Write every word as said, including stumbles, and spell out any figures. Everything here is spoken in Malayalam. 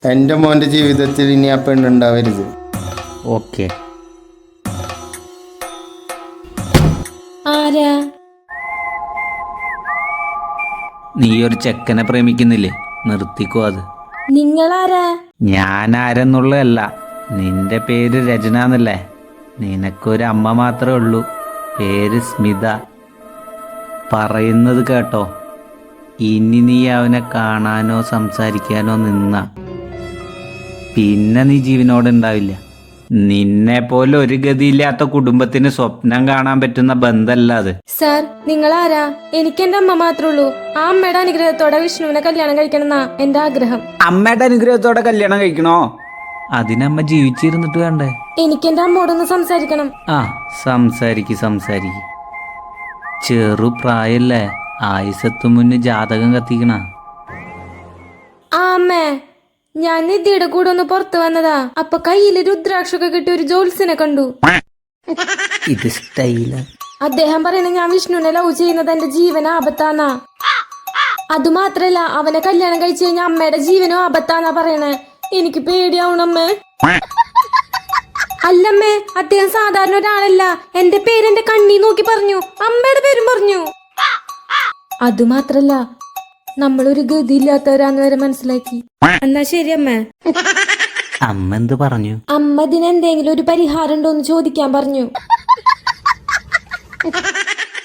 എൻ്റെ മോൻ്റെ ജീവിതത്തിൽ ഇനി ആ പെണ്ണുണ്ടാവരുത്. ഓക്കെ. ആരാ? നീ ഒരു ചെക്കനെ പ്രേമിക്കുന്നില്ലേ? നിർത്തിക്കോ അത്. നിങ്ങളാരാ? ഞാൻ ആരെന്നുള്ളതല്ല, നിന്റെ പേര് രചന എന്നല്ലേ? നിനക്കൊരു അമ്മ മാത്രമേ ഉള്ളൂ, പേര് സ്മിത. പറയുന്നത് കേട്ടോ, ഇനി നീ അവനെ കാണാനോ സംസാരിക്കാനോ നിന്ന പിന്നെ നീ ജീവനോടെ ഉണ്ടാവില്ല. നിന്നെ പോലെ ഒരു ഗതിയില്ലാത്ത കുടുംബത്തിന് സ്വപ്നം കാണാൻ പറ്റുന്ന ബന്ധമല്ല അത്. സാർ, നിങ്ങളാരാ? എനിക്ക് എന്റെ അമ്മ മാത്രമേ ഉള്ളൂ. ആ അമ്മയുടെ അനുഗ്രഹത്തോടെ വിഷ്ണുവിനെ കല്യാണം കഴിക്കണമെന്നാ എന്റെ ആഗ്രഹം. അമ്മയുടെ അനുഗ്രഹത്തോടെ കല്യാണം കഴിക്കണോ? അതിനമ്മ ജീവിച്ചിരുന്നിട്ട് വേണ്ടേ? എനിക്ക് എന്റെ അമ്മോടൊന്ന് സംസാരിക്കണം. ആ, സംസാരിക്ക് സംസാരിക്ക്. ചെറു പ്രായല്ലേ, ആയുസത്തു മുന്നേ ജാതകം കത്തിക്കണ. ആ അമ്മേ, ഞാൻ നിധിയുടെ കൂടെ ഒന്ന് പുറത്തു വന്നതാ. അപ്പൊ കയ്യില് രുദ്രാക്ഷൊക്കെ കിട്ടിയ ഒരു ജോത്സ്യനെ കണ്ടു. ഇത് സ്റ്റൈല. അദ്ദേഹം പറയുന്നത് ഞാൻ വിഷ്ണുവിനെ ലവ് ചെയ്യുന്നത് എന്റെ ജീവൻ ആപത്താന്നാ. അതുമാത്രല്ല, അവനെ കല്യാണം കഴിച്ചു കഴിഞ്ഞാൽ അമ്മയുടെ ജീവനും ആപത്താന്നാ പറയണേ. എനിക്ക് പേടിയാവണമ്മേ. അല്ലമ്മേ, അദ്ദേഹം സാധാരണ ഒരാളല്ല. എന്റെ പേര് എന്റെ കണ്ണി നോക്കി പറഞ്ഞു, അമ്മയുടെ പേരും പറഞ്ഞു. അതുമാത്രല്ല, നമ്മളൊരു ഗതിയില്ലാത്തവരാന്ന് വരെ മനസ്സിലാക്കി. എന്നാ ശരി അമ്മ. അമ്മ എന്ത് പറഞ്ഞു? അമ്മ ഇതിനെന്തെങ്കിലും ഒരു പരിഹാരം ഉണ്ടോന്ന് ചോദിക്കാൻ പറഞ്ഞു.